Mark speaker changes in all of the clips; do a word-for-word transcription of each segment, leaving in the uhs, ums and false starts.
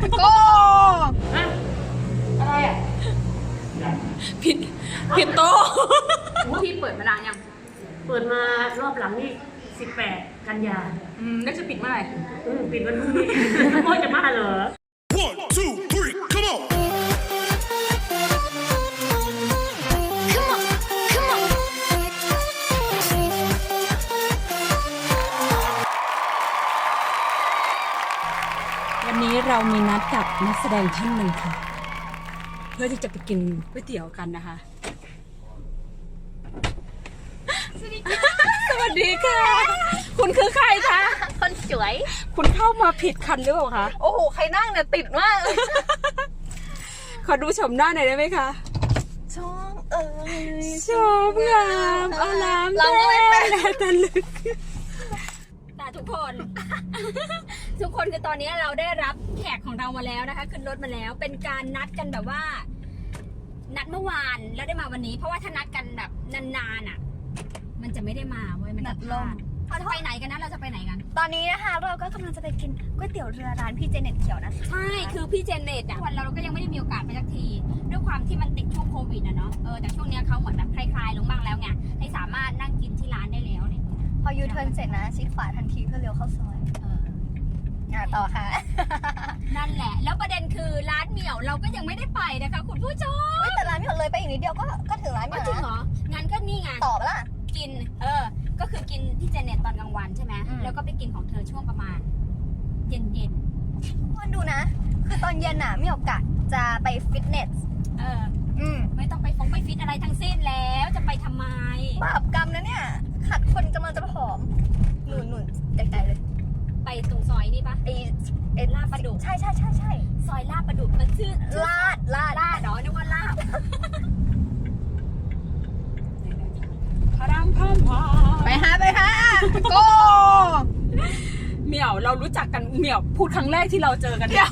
Speaker 1: โก้
Speaker 2: อะไรอ่ะ
Speaker 1: ผิดผิดโต๊ะ
Speaker 2: พี่เปิดมานานยังเปิดมารอบหลังนี่สิบแปดกันยา
Speaker 1: อืมแล้วจะปิดเมื่อไหร่
Speaker 2: อืมปิดวันพรุ่งนี้พ่อจะมาเหรอ
Speaker 3: One two three come on
Speaker 1: วันนี้เรามีนัดกับนักแสดงท่านหนึ่งค่ะเพื่อที่จะไปกินก๋วยเตี๋ยวกันนะคะสวัสดีค่ะสวัสดีค่ะคุณคือใครคะ
Speaker 4: คนสวย
Speaker 1: คุณเข้ามาผิดคันหรือเปล่าคะ
Speaker 4: โอ้โหใครนั่งเนี่ยติดมากเลย
Speaker 1: ขอดูชมหน้าหน่อยได้ไหมคะ
Speaker 4: ชมเอ้ย
Speaker 1: ชมงามอาราม
Speaker 4: เราก็ไม่เป็น
Speaker 1: ตะลึก
Speaker 5: แต่ทุกคน ทุกคนคือตอนนี้เราได้รับแขกของเรามาแล้วนะคะขึ้นรถมาแล้วเป็นการนัดกันแบบว่า นัดเมื่อวานแล้วได้มาวันนี้ เพราะว่าถ้านัดกันแบบนานๆอ่ะ มันจะไม่ได้มาเว้ยมันจะพลาดเราจะไปไหนกันนะเราจะไปไหนกัน
Speaker 4: ตอนนี้นะคะเราก็กำลังจะไปกินก๋วยเตี๋ยวเรือร้านพี่เจเน็ตเขียวนะคะ
Speaker 5: ใช่คือพี่เจเน็ตอ่ะวันเราเราก็ยังไม่ได้มีโอกาสไปสักทีด้วยความที่มันติดช่วงโควิดนะเนาะเออแต่ช่วงนี้เขาเหมือนแบบคลายๆลงบ้างแล้วไงให้สามารถนั่งกินที่ร้านได้แล้วเนี่ย
Speaker 4: พอยูเทิร์นเสร็จนะชิดขวาทันทีเพื่อเลี้ยวเข้าซอย
Speaker 5: เออ
Speaker 4: อ่ะต่อค่ะ
Speaker 5: นั่นแหละแล้วประเด็นคือร้านเหมี่ยวเราก็ยังไม่ได้ไปนะคะคุณผู้ชม
Speaker 4: แต่ร้านเหมี่ยวเลยไปอีกนิดเดียวก็ก็ถึงร้านเหมี่ยว
Speaker 5: จริงเหรองั้นก็นี่ไง
Speaker 4: ต่อปะล่ะ
Speaker 5: กินเออก็คือกินที่เจเน็ตตอนกลางวันใช่ไหมแล้วก็ไปกินของเธอช่วงประมาณเย็นเย็น
Speaker 4: คนดูนะคือตอนเย็นน่ะเหมี่ยวกะจะไปฟิตเนส
Speaker 5: เออ
Speaker 4: อืม
Speaker 5: ไม่ต้องไปฟงไปฟิตอะไรทั้งสิ้นแล้วจะไปทำไม
Speaker 4: บาปกรรมนะเนี่ยขัดคนกำลังจะผอมหนุนหนุนใจใจเลย
Speaker 5: ไปตรงซอยนี่ปะ
Speaker 4: ไอไอ
Speaker 5: ลาดประดุก
Speaker 4: ใช่ใช่ใช่ใช่
Speaker 5: ซอยลาดประดุกมันชื่อ
Speaker 4: ลาดลาด
Speaker 5: ลาดเนาะนึกว่าลาบ
Speaker 1: พารามพามพา
Speaker 4: ไปฮะไปฮะโก้
Speaker 1: เหมี่ยวเรารู้จักกันเหมี่ยวพูดครั้งแรกที่เราเจอกันเนี่ย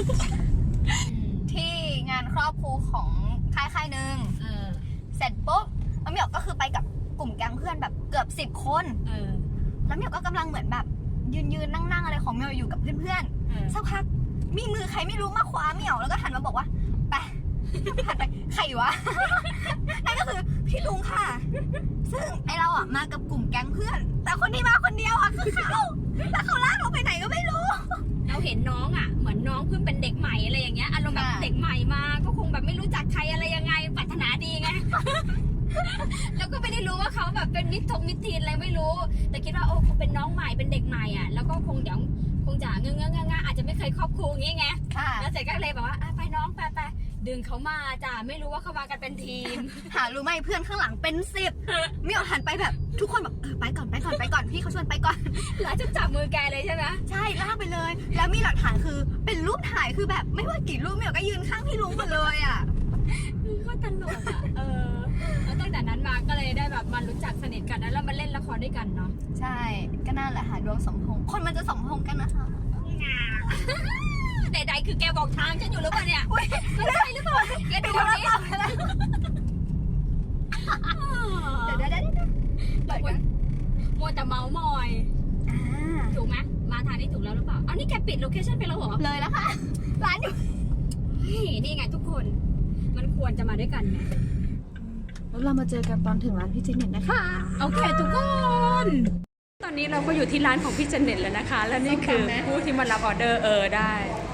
Speaker 4: ที่งานครอบครัวของค่ายค่ายหนึ่งเสร็จปุ๊บแล้วเหมี่ยวก็คือไปกับกลุ่มแก๊งเพื่อนแบบเกือบสิบคนแล้วเหมี่ยวก็กำลังเหมือนแบบยืนยืนนั่งนั่งอะไรของเหมี่ยวอยู่กับเพื่อนๆสักพักมีมือใครไม่รู้มาคว้าเหมี่ยวแล้วก็หันมาบอกว่าไปหันไปใครวะนั่นก็คือพี่ลุงค่ะซึ่งไอเราอ่ะมากับกลุ่มแก๊งเพื่อนแต่คนที่มาคนเดียวอ่ะคือเขาแต่เขาลากเราไปไหนก็ไม่รู้
Speaker 5: เราเห็นน้องอ่ะเหมือนน้องเพิ่งเป็นเด็กใหม่อะไรอย่างเงี้ยอารมณ์แบบเด็กใหม่มาก็คงแบบไม่รู้จักใครอะไรยังไงปรารถนาดีไงแล้วก็ไม่ได้รู้ว่าเขาแบบเป็นมิตรทงมิตรทีนอะไรไม่รู้แต่คิดว่าโอ้คงเป็นน้องใหม่เป็นเด็กใหม่อ่ะแล้วก็คงเดี๋ยวคงจะเงื้อเงื้ออาจจะไม่เคยครอบครัวอย่างเงี้ยไงแล้วเสร็จก็เลยบอกว่าไปน้องไปไปดึงเขามาจ้ะไม่รู้ว่าเขามากันเป็นทีม
Speaker 4: หารู้ไหมเพื่อนข้างหลังเป็นสิบไม่เอาหันไปแบบทุกคนแบบเออไปก่อนไปก่อนไปก่อนพี่เขาชวนไปก่อน
Speaker 5: แล้วจะจับมือแกเลยใช่ไหม
Speaker 4: ใช่ลากไปเลยแล้วมีหลักฐานคือเป็นรูปถ่ายคือแบบไม่ว่ากี่รูปเมี่ยวก็ยืนข้างพี่ลุงหมดเลยอ่ะ
Speaker 5: ก็ตลกอ่ะเออแล้วตั้งแต่นั้นมาก็เลยได้แบบมารู้จักสนิทกันแล้วมาเล่นละครด้วยกันเนาะ
Speaker 4: ใช่ก็น่าแหละค่ะดวงสมพงษ์คนมันจะสมพงษ์กันนะคะ
Speaker 5: ใดๆคือแกบอกทางฉันอยู่หรือเปล่าเนี่ยไม่ใช่หรือเปล่าแกดูนี่
Speaker 4: เดี๋ยวเดี๋ยวเดี๋ยวเดี๋ยว
Speaker 5: มัวแต่เมามอยถูกไหมมาทางนี้ถูกแล้วหรือเปล่าอันนี้แกปิดโลเคชั่นไปแล้วเหรอ
Speaker 4: เลยแล้วค่ะร้านอยู่
Speaker 5: นี่ไงทุกคนมันควรจะมาด้วยกันไง
Speaker 4: แล้วเรามาเจอกันตอนถึงร้านพี่เจเน็ตนะคะ
Speaker 1: โอเคทุกคนตอนนี้เราก็อยู่ที่ร้านของพี่เจเน็ตแล้วนะคะและนี่คือผู้ที่มารับออเดอร์เออได้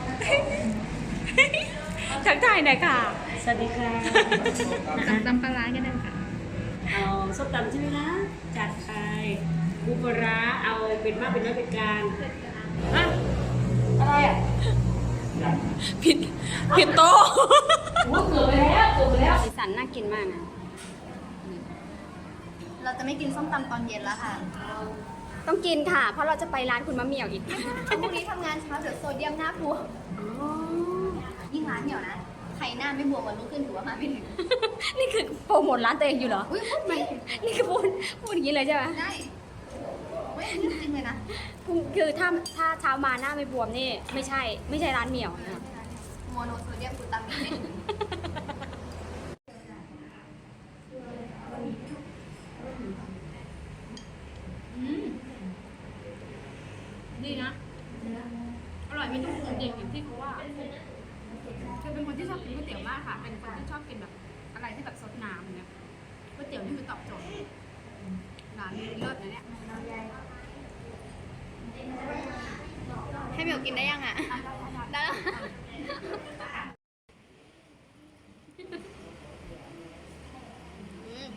Speaker 1: ทักทายหน่อยค่ะ
Speaker 2: สวัสดีค่ะ
Speaker 4: ตำปลาร้ากันเลยค่ะ
Speaker 2: เอาส้มตำใช่ไหมคะจัดไปปูปลาเอาเป็นมากเป็นน้อยเป็นกลางอะอะไรอ่ะ
Speaker 1: ผิดผิดโต๊ะ
Speaker 2: โอ้เกือบไปแล้วเกือบไปแล้ว
Speaker 5: สีสันน่ากินมากนะ
Speaker 4: เราจะไม่กินส้มตำตอนเย็นแล้วค่ะ
Speaker 5: ต้องกินค่ะเพราะเราจะไปร้านคุณมะเหมี่ยวอีก
Speaker 4: พรุ่งนี้ทำงานเช้าเดี๋ยวโซเดียมหน้าบวมยิ่งร้านเหนียวนะใครหน้าไม่บวมวันรุ่งขึ้นถือว่ามาไม่ถึง
Speaker 5: นี่คือโปรโมทร้านตัวเองอยู่เหรอไม่นี่คือพูดพูดอย่างนี้เลยใช่ไหม
Speaker 4: ได้ไม่จริงเลยนะ
Speaker 5: คือถ้าถ้าเช้ามาหน้าไม่บวมนี่ไม่ใช่ไม่ใช่ร้านเหมี่ยวนะ
Speaker 4: โมโนโซเดียมกลูตามิน
Speaker 5: ดีนะอร่อย
Speaker 1: ร่อยไม่ต้องปรุงเองอย่างที่เขาว่าคือเป็นคนที่ชอบกินก๋วยเตี๋ยวมากค่ะเป็นคนที่ชอบกินแบบอะไรที่แบบซดน้ำอย่างเงี้ยก๋วยเตี๋ยวนี่คือตอบโจทย์ร้านนี้เลิศนะเนี่ย
Speaker 4: ให้เหมียวกินได้ยังอ่ะ ได้แล้วอืม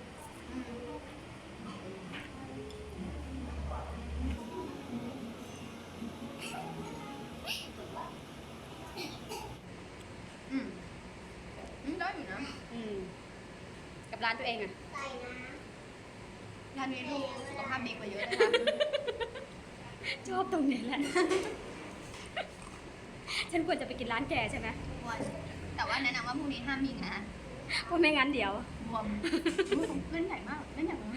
Speaker 4: อืมอืมได้อยู่นะ
Speaker 1: อืมกับร้านตัวเองอะ
Speaker 4: ร้านนี้ดูสุขภาพดีกว่าเยอะเลยนะ
Speaker 1: ชอบตรงนี้แหละ ฉันควรจะไปกินร้านแกใช่ไหม
Speaker 4: ควรแต่ว่าแนะนำว่าพรุ่งนี้ห้ามมีงาน
Speaker 1: เพราะไม่งั้นเดี๋ยว
Speaker 4: บวมเล่นใหญ่มากเล่นใหญ่มาก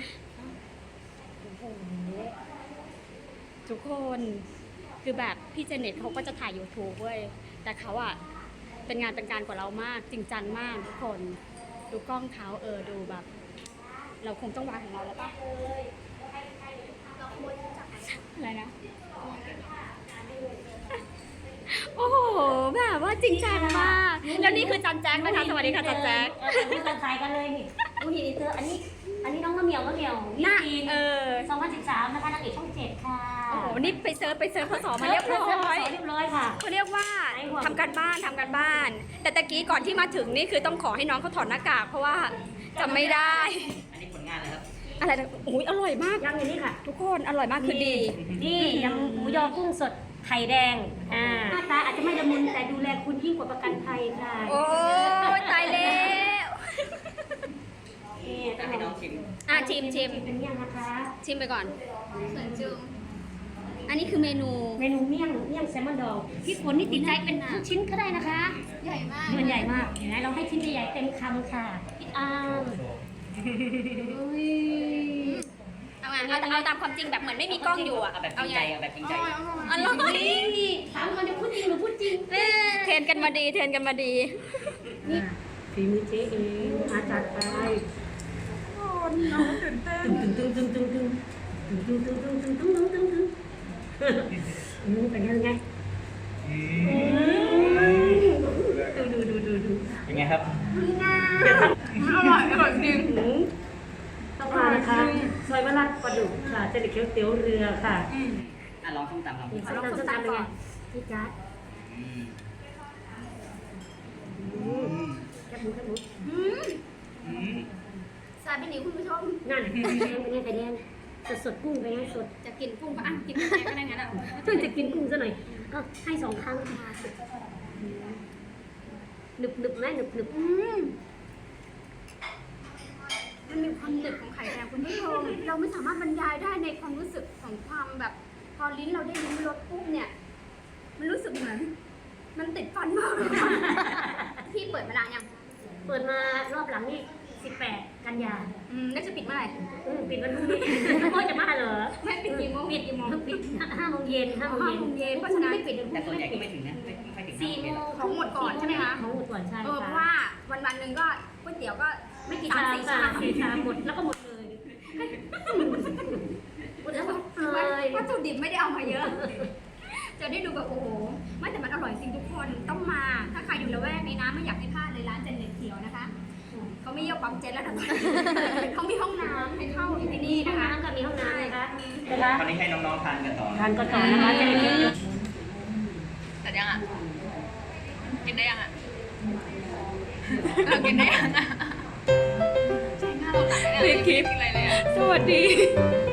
Speaker 1: ทุกคนคือแบบพี่เจเน็ตเขาก็จะถ่าย YouTube เว้ยแต่เขาอะเป็นงานเป็นการกว่าเรามากจริงจังมากทุกคนดูกล้องเขาเออดูแบบ เราคงต้องวางของเราแล้วปะอะไรนะ โอ้โหแบบว่าจริงจังมากแล้วนี่คือจันแจ็คนะคะสวัสดีค่ะจันแจ็ค
Speaker 2: เออนี่กันขายกันเลยนี่ดูหินอีเตอร์อันนี้ อันนี้น้องมะเหมียวมะเหมียว
Speaker 1: หน้า
Speaker 2: จีน
Speaker 1: เออ
Speaker 2: สองพันสิบสามนะคะนางเอกช่องเจ็ดค่ะ
Speaker 1: โอ้โหนี่ไปเซิร์ชไปเซิร์ชพศมาเรียบร้อย
Speaker 2: เรียบร้อยค่ะ
Speaker 1: เขาเรียกว่าทำการบ้านทำการบ้าน แต่ตะกี้ก่อนที่มาถึงนี่คือต้องขอให้น้องเขาถอดหน้ากากเพราะว่าจำไม่ได้
Speaker 6: อันนี้ผลงานเลยครับ
Speaker 1: อะไรนะโอ้ยอร่อยมาก
Speaker 2: ยังอย่างนี้ค่ะ
Speaker 1: ทุกคนอร่อยมากคือดี
Speaker 2: นี่ยำหมูยอกุ้งสดไข่แดงอ่าหน้าตาอาจจะไม่ละมุนแต่ดูแลคุณยิ่งกว่าประกันภัยค่ะ
Speaker 1: โอ้ยตายแล้ว
Speaker 2: นี่
Speaker 6: จะให้น้องชิม
Speaker 1: อ่ะชิมชิม
Speaker 2: เป็นเมี่ยงนะคะ
Speaker 1: ชิมไปก่อน
Speaker 4: สวยจึง
Speaker 1: อันนี้คือเมนู
Speaker 2: เมนูเมี่ยงเมี่ยงแซลมอนดองพี่ฝนนี่ติดใจเป็นทุกชิ้นก็ได้นะคะ
Speaker 4: ใหญ่มาก
Speaker 2: มันใหญ่มากเห็นไหมเราให้ชิ้นใหญ่ๆเต็มคำค่ะพี่อ้าม
Speaker 1: เอาไงเอาเอาตามความจริงแบบเหมือนไม่มีกล้องอยู่อ่ะ
Speaker 6: เอาแบบจ
Speaker 1: เอา
Speaker 6: ริง
Speaker 1: ไง
Speaker 6: ใจเอาแบบจริงใจ
Speaker 1: อร่อย
Speaker 2: นี่ถามก่อนจะพูดจริงหรือพูดจริง
Speaker 1: เทรนกันมาดีเทรนกันมาดี
Speaker 2: นี่ฝีมือเจ๊เองมาจากไทยตึงตึงตึงตึงตึงตึงตึงตึงตึงตึงตึงตึงตึงตึงตึงอืมเป็นยังไงดูดูดูดูดู
Speaker 6: เป็นไงครับ
Speaker 1: อร่อยอร่อยจริง
Speaker 2: ต้องมานะคะซอยมะลัดปลาดุกค่ะเจริญเขียวเตี๋ยวเรือค่ะ
Speaker 6: อ่ะลองส้มตำลอง
Speaker 2: นี่ส้มตำส้มตำเป็นไงพี่จ๊าด
Speaker 6: อืม
Speaker 2: แคบหมูแคบหมู
Speaker 6: อืม
Speaker 1: ซาบินิวคุณผู้ชม
Speaker 2: นั่นเป็นไงเป็นไงไข่แดงสดสดกุ้งเป็นไงสด
Speaker 1: จะกินกุ้งก็อ่ะกินแกงก็ได้งั้นอ่ะ
Speaker 2: เพิ่งจะกินกุ้งซะหน่อยก็ให้สองครั้งหนึบหนึบไหมหนึบหนึบ
Speaker 1: อืมมันมีความหนึบของไข่แดงคุณผู้ชม เราไม่สามารถบรรยายได้ในความรู้สึกของความแบบพอลิ้นเราได้ลิ้มรสปุ๊บเนี่ย มันรู้สึกเหมือน มันติดฟันมากเลยค่ะพี่เปิดมานานยัง
Speaker 2: เปิดมารอบหลังนี่สิบแปดกันยา
Speaker 1: อืมแล้วจะปิดเมื่อไหร่
Speaker 2: อืมปิดวันพรุ่งนี้โอ้ยจะมาเหรอ
Speaker 1: ไม่ปิดกี่โมง
Speaker 2: ปิดกี่โมงปิดห้าโมงเย็นห้าโมง
Speaker 1: ห้าโมงเย็
Speaker 2: เย็
Speaker 1: น
Speaker 2: น
Speaker 1: เพราะฉะนั้น
Speaker 2: ไม่ปิด
Speaker 6: แต่ส่วนใหญ่ก็ไม่ถึงนะไม่ไม่ค่อยถึง
Speaker 2: สี่โมง
Speaker 1: ของหมดก่อนใช่ไหมคะ
Speaker 2: ของหมดก่อนใช่
Speaker 1: เออเพราะ
Speaker 2: ค่ะ
Speaker 1: ว่าวันวันๆหนึ่งก็ก๋วยเตี๋ยวก็
Speaker 2: ไม่กี่
Speaker 1: สา
Speaker 2: ชาม ม
Speaker 1: สี่
Speaker 2: ค่ะ
Speaker 1: ชาม
Speaker 2: สี่ชามหมดแล้วก็หมดเลยหมดแล้วหมดเลย
Speaker 1: วัตถุดิบไม่ได้เอามาเยอะ จะได้ดูแบบโอ้โหไม่แต่มันอร่อยจริงทุกคนต้องมา ถ้าใครอยู่ละแวกนี้นะไม่อยากให้พลาดเลยร้านเจนเน็ตเขียวนะคะเขาไม่เยี่ยมปั๊มเจ็ตแล้วนะตอนนี้เขามีห้องน้ำให้เข้าที่นี่
Speaker 2: ห้อ
Speaker 1: นะ
Speaker 2: ง
Speaker 1: คะ
Speaker 2: น้ำก็มีห้องน้ำนะคะนะคะ
Speaker 6: ตอนนี้ให้น้องๆทานกันต่อ
Speaker 2: ทานก่อนต่อนะคะจะได้เก็บเยอะ
Speaker 4: แต่ยังอ่ะ กินได้ยังอ่ะเออกินได้ยังอ่ะใช่หน้าเราตัดเลย
Speaker 1: คลิปสวัสดี